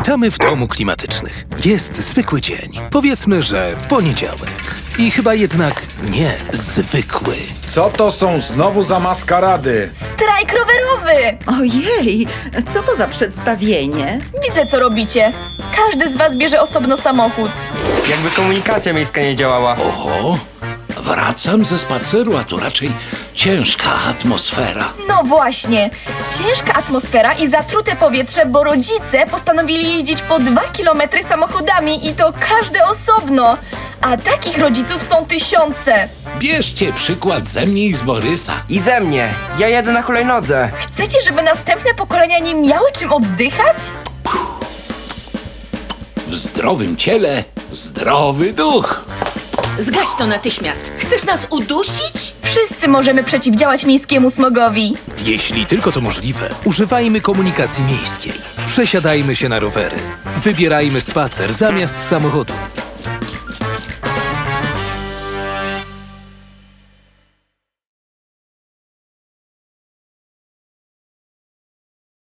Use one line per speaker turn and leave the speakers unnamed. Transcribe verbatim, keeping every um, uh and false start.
Witamy w domu klimatycznych. Jest zwykły dzień. Powiedzmy, że poniedziałek. I chyba jednak nie zwykły.
Co to są znowu za maskarady?
Strajk rowerowy!
Ojej, co to za przedstawienie?
Widzę, co robicie. Każdy z was bierze osobno samochód.
Jakby komunikacja miejska nie działała.
Oho, wracam ze spaceru, a tu raczej ciężka atmosfera.
No właśnie. Ciężka atmosfera i zatrute powietrze, bo rodzice postanowili jeździć po dwa kilometry samochodami i to każdy osobno. A takich rodziców są tysiące.
Bierzcie przykład ze mnie i z Borysa.
I ze mnie. Ja jadę na hulajnodze.
Chcecie, żeby następne pokolenia nie miały czym oddychać?
W zdrowym ciele zdrowy duch.
Zgaś to natychmiast! Chcesz nas udusić?
Wszyscy możemy przeciwdziałać miejskiemu smogowi.
Jeśli tylko to możliwe, używajmy komunikacji miejskiej. Przesiadajmy się na rowery. Wybierajmy spacer zamiast samochodu.